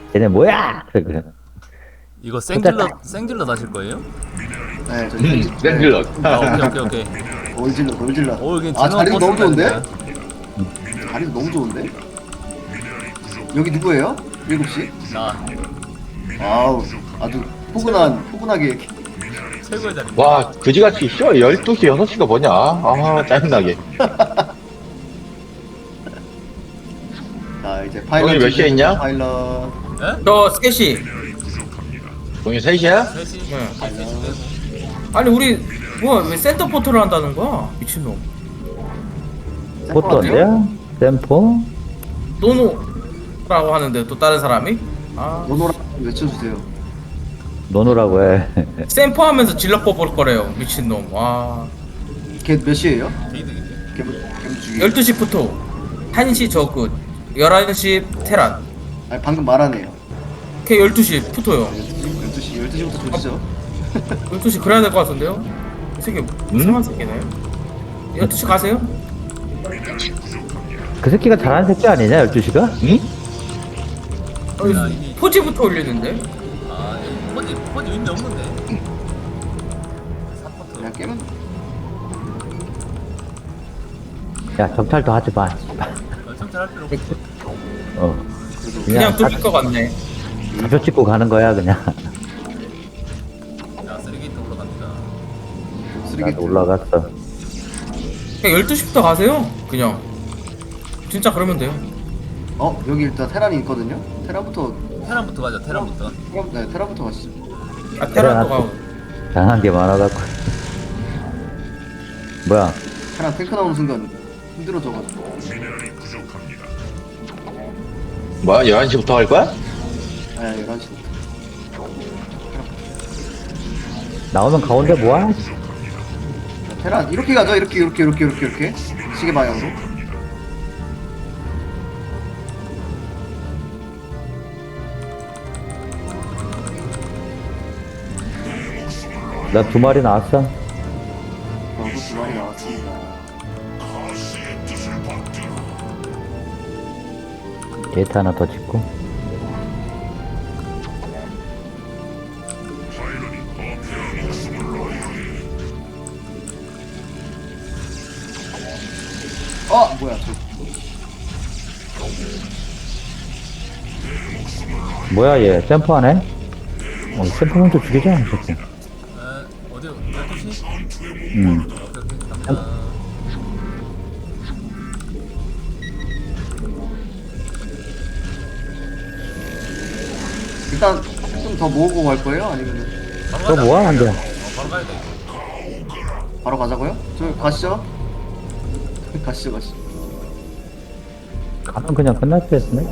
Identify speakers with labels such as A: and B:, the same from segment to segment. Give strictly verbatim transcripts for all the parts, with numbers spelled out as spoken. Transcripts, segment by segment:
A: 쟤네 뭐야? 그래.
B: 이거 생질러 생질러 하실 거예요?
C: 네, 저
D: 음, 샌들러.
B: 아 오케이 오케이 오케이.
C: 올질러, 올질러.
B: 오 여기
C: 아, 자리도 너무 좋은데?
B: 보스라니까.
C: 자리도 너무 좋은데? 여기 누구예요? 일곱 시?
B: 나
C: 아우, 아주 포근한, 포근하게 이렇게.
B: 최고의 자리.
D: 와, 그지같이 쉬어. 열두 시, 여섯 시가 뭐냐? 아, 짜증나게.
C: 자, 이제 파일럿.
D: 형이 몇 시에
C: 준비해주세요,
D: 있냐?
C: 파일럿.
B: 에?
E: 저 셋이.
D: 동이 세 시야?
B: 셋이.
E: 네.
B: 셋이 빼고.
E: 아니 우리 뭐야 왜 센터 포트를 한다는 거야? 미친놈.
A: 포토인데요? 샘포?
E: 노노라고 하는데 또 다른 사람이? 아
C: 노노라 외쳐주세요.
A: 노노라고 해.
E: 샘포 하면서 질러 뽑을 거래요. 미친놈. 와.
C: 걔 몇 시에요?
B: 게이득인데.
C: 걔, 걔 죽이.
E: 열두 시부터 한 시 저그 열한 시 테란.
C: 아니, 방금 말하네요.
E: 걔 열두 시 푸토요.
C: 열두 시, 열두 시부터 조지죠.
E: 열두 시 그래야 될 것 같은데요? 이 새끼 이상한 새끼네. 열두 시 가세요?
A: 그 새끼가 잘하는 새끼 아니냐, 열두 시가?
D: 응?
E: 아니, 포지부터 올리는데?
B: 아 여기 포지 포지 의미 없는데. 사포트.
C: 그냥 깨면.
A: 야, 정찰도 하지 마.
B: 어, 정찰할 필요 없어.
A: 어.
E: 그냥 뚫릴 것 같네.
A: 가표 찍고 가는 거야, 그냥.
B: 자 쓰리게이트 올라갑니다.
C: 쓰레기.
A: 나도 올라갔어.
E: 그냥 열두 시부터 가세요. 그냥. 진짜 그러면 돼요.
C: 어, 여기 일단 테란이 있거든요? 테란부터,
B: 테란부터 가자. 테란부터.
C: 테란, 네, 테란부터 가시죠.
E: 아 테란도 가고.
A: 장한 게 많아갖고. 뭐야?
C: 테란 탱크 나오는 순간 힘들어져가지고.
D: 뭐야, 열한 시부터 할 거야?
C: 네, 열한 시부터.
A: 나오면 가운데 뭐야?
C: 테란, 이렇게 가죠? 이렇게, 이렇게, 이렇게, 이렇게, 이렇게. 시계 방향으로.
A: 나 두 마리 나왔어.
C: 저도 두 마리 나왔습니다.
A: 게이트 하나 더 짓고.
C: 어, 뭐야, 저.
A: 뭐야, 얘. 샘포 하네? 어, 샘포 먼저 죽이자, 이 새끼.
B: 에 어디 열두 시?
A: 음.
B: 오케이 오케이 갑니다.
C: 일단 좀 더 모으고 갈 거예요? 아니면
B: 바로
A: 너
B: 가자.
A: 뭐야, 안 돼?
B: 어, 바로 가야 돼.
C: 바로 가자고요? 저 가시죠. 가시죠, 가시죠.
A: 가면 그냥 끝날 뻔했네.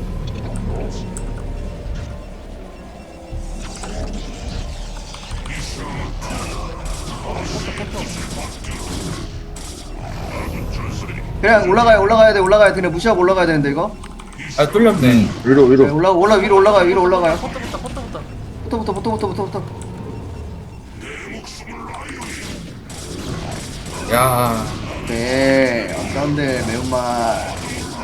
C: 그냥 올라가야 올라가야 돼, 올라가야 돼. 그냥 무시하고 올라가야 되는데 이거.
E: 아 뚫렸네.
D: 위로,
C: 네,
D: 위로.
C: 올라 올라 위로 올라가요, 위로 올라가요.
B: 포트부터 포트부터.
C: 부터 부터 부터 부터 부터.
E: 야.
C: 네, 어떤데 매운맛.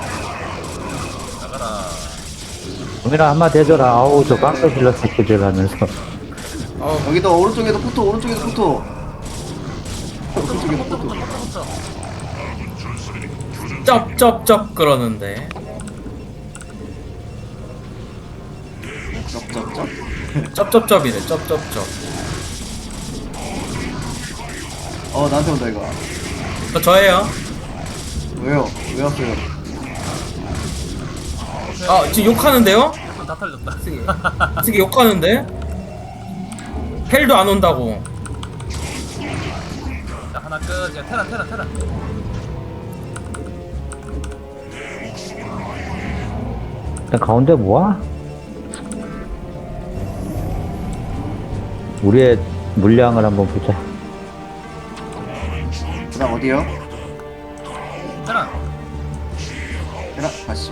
B: 나가라.
A: 동민아 한마디 해줘라. 아우, 저 깡패 실러 새끼들 하면서.
E: 어
C: 여기도 오른쪽에도 포토, 오른쪽에도 포토. 오른쪽에도 포토.
B: 포트부터.
E: 쩝쩝쩝 그러는데.
C: 쩝쩝쩝.
E: 쩝쩝쩝이래. 쩝쩝쩝.
C: 어, 나한테 온다 이거.
E: 저 저예요.
C: 왜요? 왜 왔어요?
E: 아 지금 욕하는데요?
B: 다 털렸다.
E: 이 새끼 욕하는데? 헬도 안 온다고.
B: 자 하나 끝. 이제 테란 테란 테란.
A: 일단 가운데 뭐야? 우리의 물량을 한번 보자.
C: 그다음 어디요?
B: 테란.
C: 해라, 가시.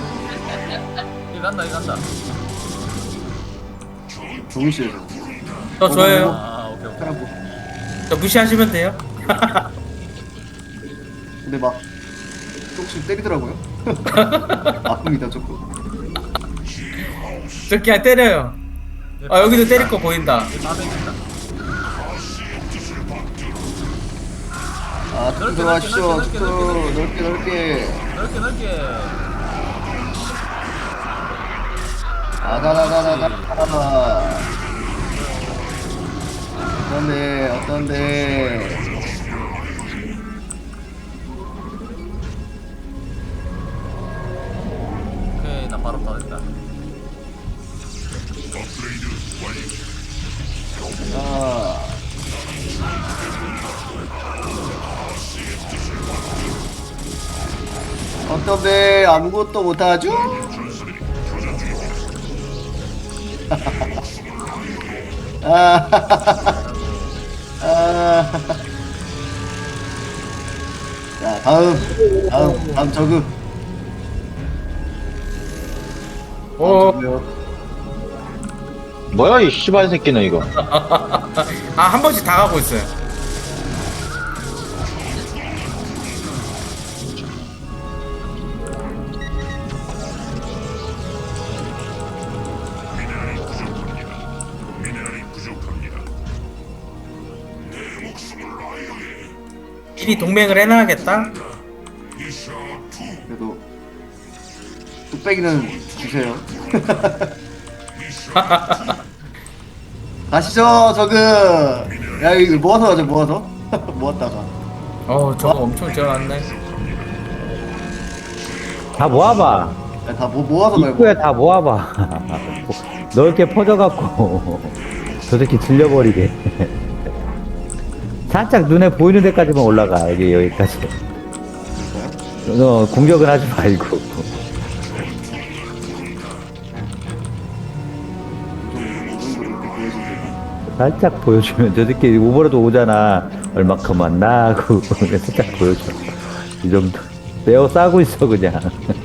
B: 이거 간다 이거 간다.
C: 종이 씨에서.
E: 저 저예요.
B: 아 오케이 오케이.
C: 테란 고.
E: 저 무시하시면 돼요.
C: 근데 막 조금씩 때리더라고요. 아픕니다 조금.
E: 저 그냥 때려요. 아 여기도 때릴 거 보인다.
B: 다 뺏긴다.
C: 아 툭
B: 넓게,
C: 들어가시죠.
B: 넓게,
C: 툭
B: 넓게, 넓게,
C: 넓게 넓게.
B: 넓게 넓게.
C: 아다다다다다. 어떤데 어떤데.
B: 오케이 나 바로 다 됐다.
C: 자. 어떤데 아무것도 못하죠? 아, 아. 자 다음 다음 다음 저그.
E: 어.
D: 뭐야 이 씨발 새끼는 이거.
E: 아 한 번씩 다 가고 있어요. 미리 동맹을 해놔야겠다.
C: 그래도 뚝배기는 주세요. 가시죠 저그. 야 이거 모아서 가자 모아서. 모았다가.
E: 어 저거 엄청 지어놨네.
A: 다 모아봐.
C: 야, 다 모, 모아서 가요.
A: 입구에 다 모아봐. 넓게 퍼져갖고 저 새끼 들려버리게. 살짝 눈에 보이는 데까지만 올라가. 여기 여기까지. 너 공격은 하지 말고.
C: 좀, 이 정도로 이렇게 보여주세요.
A: 살짝 보여주면 저 새끼 오버로드 오잖아. 얼마큼 왔나 하고 살짝 보여줘. 이 정도. 내어 싸고 있어 그냥.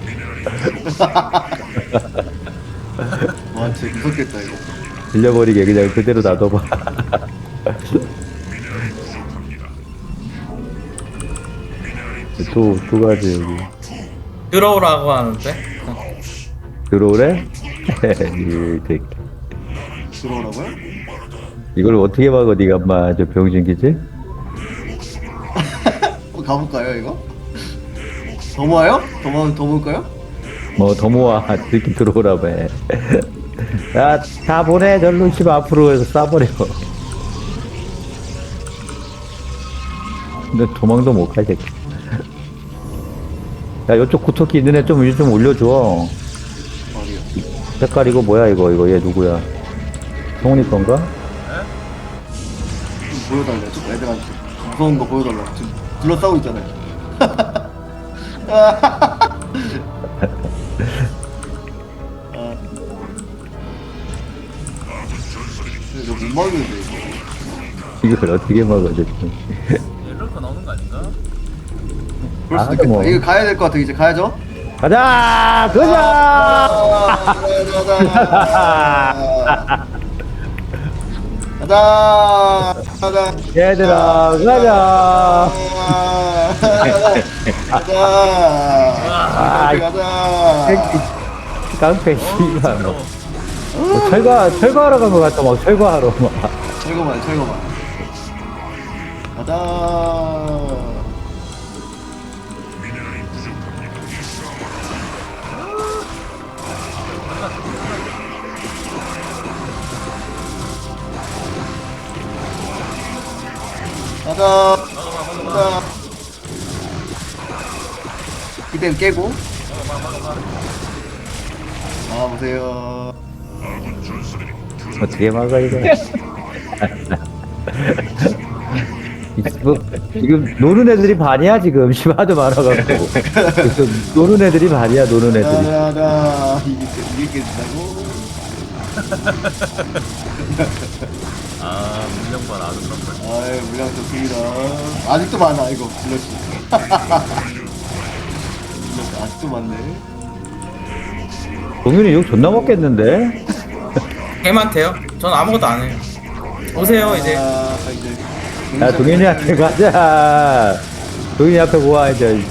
C: 와 진짜 무섭겠다 이거.
A: 들려버리게 그냥 그대로 놔둬봐. 또, 또 가지, 여기.
E: 들어오라고 하는데.
A: 들어오래? 이 새끼.
C: 들어오라고요?
A: 이걸 어떻게 막어, 니가 엄마, 저 병신기지?
C: 한번 가볼까요 이거? 더 모아요? 더 모아 더 모을까요?
A: 뭐, 더 모아. 이렇게 들어오라며. 야, 다 보내. 절로 집 앞으로 해서 싸버려. 근데 도망도 못 가, 이 새끼. 야, 이쪽 구토끼 있는 애 좀, 일 좀 올려줘.
C: 어디요?
A: 색깔 이거 뭐야, 이거, 이거, 얘 누구야? 성훈이 건가?
C: 좀 보여달래요 좀 애들한테 무서운 거 보여달라고 지금 둘러싸고 있잖아요. 아. 근데 이거 못 막는데 이거.
A: 이걸 어떻게 막어, 저
B: 옐로커 나오는 거 아닌가?
C: 그럴 수도
A: 아,
C: 있겠다.
A: 뭐.
C: 이거 가야 될 것 같아 이제 가야죠.
A: 가자! 가자!
C: 아, 가자 가자 가자
A: 얘들아, 가자!
C: 가자
A: 아,
C: 가자
A: 새끼, 깡패, 씨발.
B: 어,
A: 뭐. 뭐 철거, 철거하러 간 것 같아, 막, 철거하러, 막.
C: 철거만 철거만 가자. 가자 가자. 이땐 깨고 나와보세요.
A: 어떻게 막아, 이거. 뭐, 지금 노는 애들이 반이야, 지금. 심하도 많아갖고. 지금 노는 애들이 반이야, 노는 애들이.
C: 가자 이게 이게 깨진다고.
B: 아 문명반 아주 그런
C: 아유 물량 좋습니다. 아직도 많아 이거 블러시. 블러시 아직도 많네.
A: 동윤이 욕 존나 먹겠는데?
E: 개많대요. 전 아무것도 안 해요. 오세요 이제.
C: 아, 이제.
A: 야 동현이한테 가자. 동현이 앞에 모아 이제.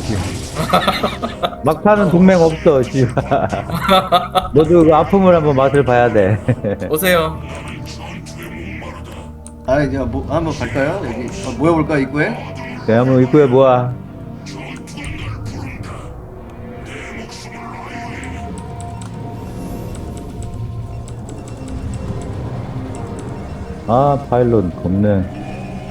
A: 막판은 동맹 없어. 씨발. 너도 그 아픔을 한번 맛을 봐야 돼.
E: 오세요.
C: 아, 이제 뭐 한번 갈까요? 여기 어, 모여볼까 입구에?
A: 네, 한번 입구에 모아. 아 파일럿 겁네.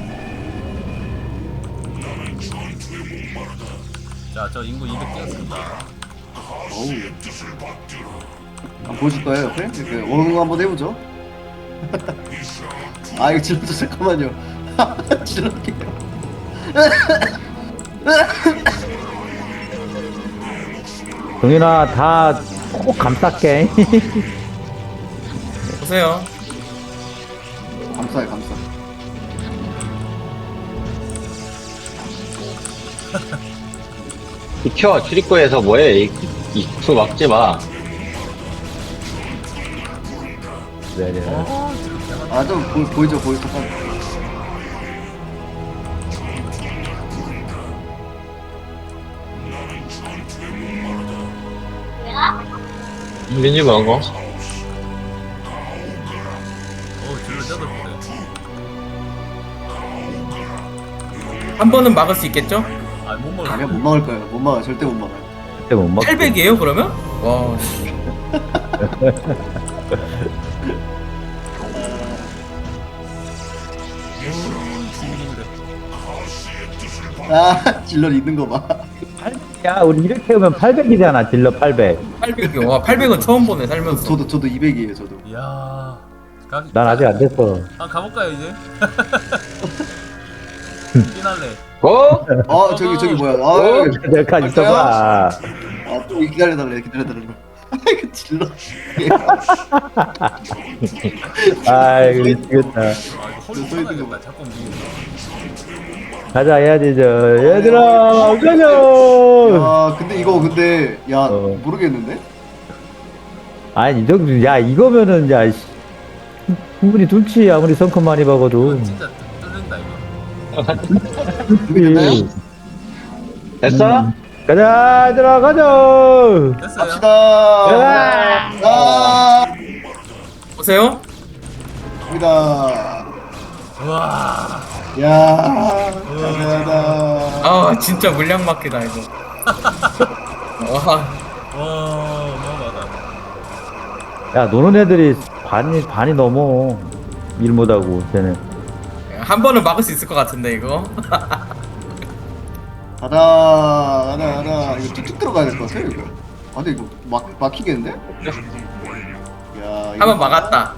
B: 자, 저 인구 이백 뛰었습니다.
C: 어우. 한번 보여줄 거예요 옆에? 이렇게 원응 한번 해보죠. 아 이거 질러줘 잠깐만요. 질러게요.
A: 동현아 다 꼭 감쌀게.
E: 오세요.
C: 감사해 감사.
D: 비켜, 출입구에서 뭐해. 이- 입구 막지 마.
A: 네, 네.
B: 어, 지금 대만.
C: 아좀 보이죠 보이죠 잠깐.
D: 민지 먹어.
B: 어, 줄을 뜯어보세요.
E: 한 번은 막을 수 있겠죠?
B: 아, 못 먹을.
C: 아니야 못 막을 거예요. 못 막아 절대 못 막아요.
A: 그때 못 먹.
E: 팔백이에요 그러면? 와. 씨.
C: 아 질러 있는 거 봐.
A: 야 우리 이렇게 오면 팔백이잖아. 딜러 팔백.
E: 팔백이요. 와 팔백은 처음 보네 살면서.
C: 저도 저도 이백이에요 저도.
B: 이야. 가,
A: 난 아직 안 됐어.
B: 아, 가볼까요, 이제? 피날레.
D: 어?
C: 아 저기 저기 뭐야? 아,
A: 내가 있어봐.
C: 아또 기다려달래 기다려달래. 그 질러.
A: 아이고 미치겠다.
B: 아, 이거 허리 쳐놔야겠다. 자꾸 움직이네.
A: 가자 해야지 저 얘들아 가자.
C: 야 근데 이거 근데 야
A: 어.
C: 모르겠는데?
A: 아니 이 정도 야 이거면은 야 씨, 충분히 둔치 아무리 성큼 많이 박아도.
B: 이거 진짜 뚫린다, 이거.
C: 준비됐나요?
D: 됐어?
A: 가자 얘들아 가자.
B: 됐어요.
C: 갑시다.
A: 야!
C: 아,
E: 오세요.
C: 갑니다.
B: 우와.
C: 야, 감사하다.
E: 아 진짜 물량 막히다 이거. 와.
B: 와, 어마어마하다.
A: 야 노는 애들이 반이 반이 넘어 일 못하고 쟤는.
E: 한 번은 막을 수 있을 것 같은데 이거.
C: 가자, 가자, 가자. 이거 뚝뚝 들어가야 될 것 같아, 이거. 아, 근데 이거 막, 막히겠는데? 야, 이거.
E: 한 번 막았다.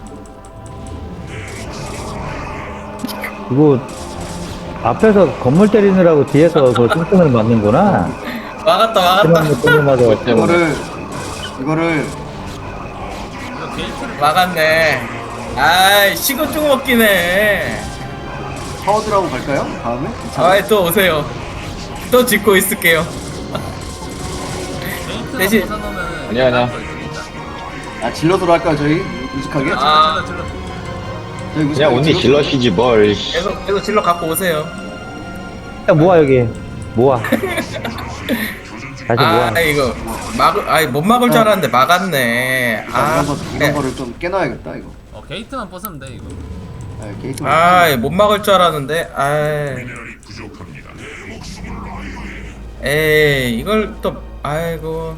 A: 이거 앞에서 건물 때리느라고 뒤에서 그 뚱뚱을 맞는구나.
E: 막았다 막았다.
A: 그만 뚱뚱 맞아.
C: 이거를, 이거를,
B: 이거 게이트를
E: 막았네. 아이 식은 죽 먹기네.
C: 파워드라고 갈까요? 다음에?
E: 아이 또 오세요. 또 짓고 있을게요.
B: 게이트를
E: 대신-
B: 벗어놓으면
D: 아니야, 아니야.
C: 아, 질러서로 할까요, 저희? 무식하게?
E: 아.
B: 질러, 질러, 질러.
C: 저희 무식하게
D: 그냥 언니 질러시지 뭘. 씨.
E: 계속 계속 질러 갖고 오세요.
A: 야, 모아 여기 모아. 다시 모아.
E: 아 이거 막을 아이 못 막을 줄 알았는데 막았네.
C: 아,
E: 아
C: 이런, 거, 이런
E: 네.
C: 거를 좀 깨놔야겠다, 이거.
B: 어, 게이트만 벗으면 돼, 이거.
C: 아, 게이트.
E: 아이 못 막을 줄 알았는데. 아이. 에이 이걸 또 아이고.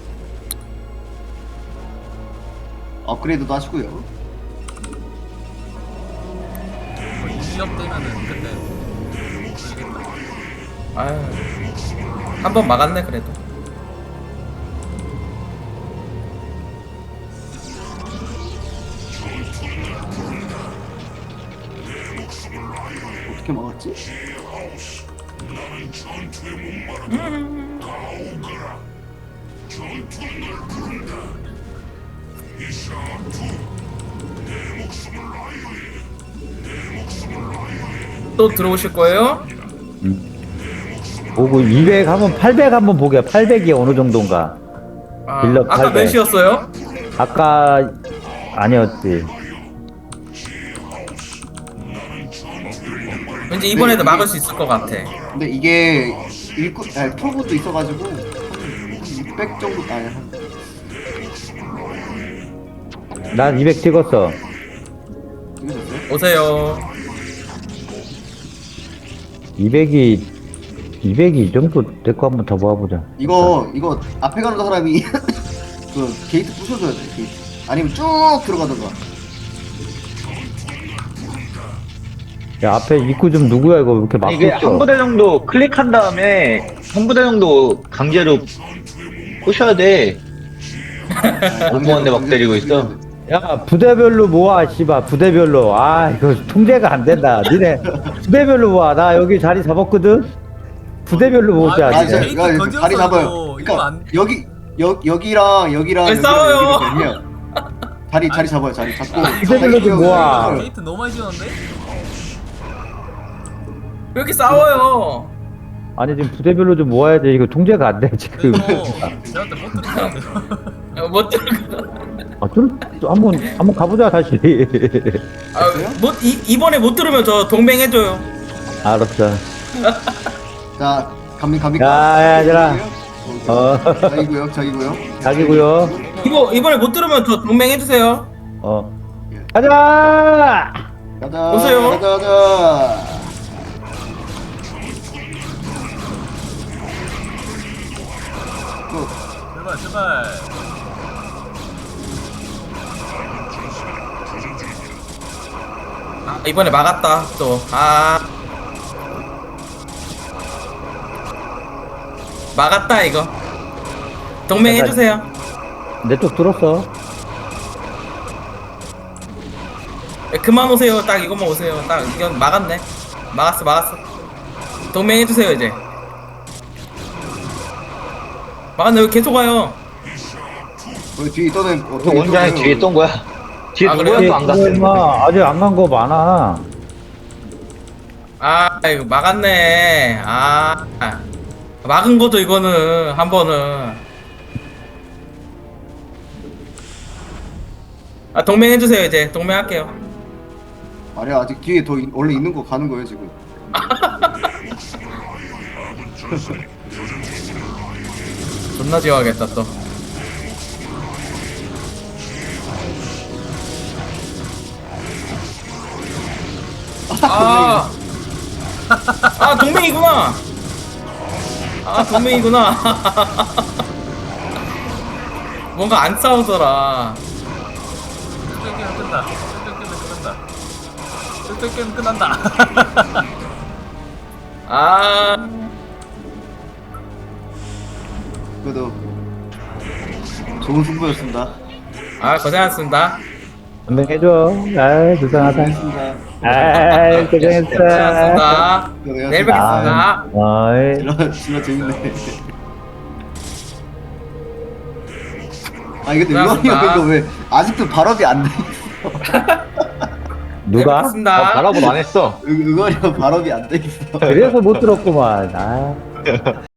C: 업그레이드도 하시고요.
B: 뭐 이업 되면은 그때 모르겠다.
E: 아유 한 번 막았네 그래도.
C: 어떻게 막았지?
E: 또 들어오실 거예요?
A: 보고 이백 한번 팔백 한번 보게. 팔백이 어느 정도인가.
E: 아,
A: 빌려
E: 아까
A: 팔백.
E: 몇이었어요?
A: 아까 아니었지.
E: 왠지 이번에도
C: 네,
E: 막을
C: 이게-
E: 수 있을 것 같아.
C: 근데 이게 일꾼 아니 프로브도 있어가지고 한 육백 정도 아니 한
A: 난 이백 찍었어.
C: 찍으셨어요?
E: 오세요.
A: 이백이 이백이 이 정도 될거 한번 더 모아보자.
C: 이거 이거 앞에 가는 사람이 그 게이트 부셔줘야 돼 게이트. 아니면 쭉 들어가던가.
A: 야 앞에 입구 좀 누구야 이거 왜 이렇게 막고
D: 이게
A: 있어?
D: 한 부대 정도 클릭한 다음에 한 부대 정도 강제로 부셔야 돼. 공무원대 막 때리고 있어.
A: 야 부대별로 모아 씨발 부대별로. 아 이거 통제가 안 된다. 니네 부대별로 모아. 나 여기 자리 잡았거든. 부대별로 모자.
B: 아,
C: 아,
A: 니네.
C: 저,
B: 게이트
C: 이거 이거
B: 거지였어,
C: 다리 잡아요.
B: 이거. 이거
C: 그러니까
B: 안-
C: 여기 여 여기랑 여기랑
E: 왜
C: 여기랑
E: 싸워요?
C: 여기를 되면 다리 자리 잡아요. 자리 잡고.
A: 이대별로 좀 모아.
B: 게이트 너무 많이 지었는데?
E: 왜 이렇게 싸워요?
A: 아니 지금 부대별로 좀 모아야지. 이거 통제가 안 돼 지금.
B: 근데 이거 저한테 못 들었는데요.
E: 어, 못 들어.
A: 아, 좀, 좀 한번 한번 가보자 다시.
E: 아, 못 이, 이번에 못 들으면 저 동맹 해줘요.
A: 알았어.
C: 자, 감히 감히.
A: 야, 얘들아. 어.
C: 자기고요, 자기고요.
A: 자기고요.
E: 이거 이번에 못 들으면 저 동맹 해주세요.
A: 어. 가자.
C: 가자.
E: 오세요.
C: 가자, 가자. 그,
B: 제발 제발.
E: 아, 이번에 막았다 또. 아 막았다 이거. 동맹
A: 잠깐.
E: 해주세요.
A: 내 쪽 들었어.
E: 예, 그만 오세요. 딱 이것만 오세요. 딱 이건 막았네. 막았어 막았어. 동맹 해주세요 이제. 막았네. 왜 계속 와요?
C: 우리 뒤에 있던 애
D: 그 원장이 뒤에 있던 거야. 뒤에
E: 아,
D: 누구야
E: 그래요?
D: 또안 갔어.
A: 임마 아직 안 간 거 많아.
E: 아 이거 막았네. 아 막은 거죠 이거는 한 번은. 아 동맹 해주세요 이제. 동맹 할게요.
C: 아니야, 아직 뒤에 더 이- 원래 있는 거 가는 거예요 지금.
E: 존나 지워야겠다 또. 아, 아 동맹이구나. 아 동맹이구나. 뭔가 안 싸우더라.
B: 게임 끝나. 게임 게임 끝난다. 게임 끝난다.
E: 아,
C: 그래도 좋은 승부였습니다.
E: 아 고생하셨습니다.
A: 한번 해줘. 아이 불쌍하다.
C: 고생했습니다.
A: 아이 고생했어.
E: 고생하셨습니다.
C: 고생하셨습니다.
E: 내일 뵙겠습니다.
A: 어이.
C: 진짜 진짜 재밌네. 아 이게 근데
E: 고생하셨습니다.
C: 이거 이거 왜 아직도 발업이 안 돼?
A: 누가?
E: 뵙겠습니다.
D: 어, 바라보 안 했어.
C: 응- 응원이 발업이 안 돼 있어.
A: 그래서 못 들었구만. 아.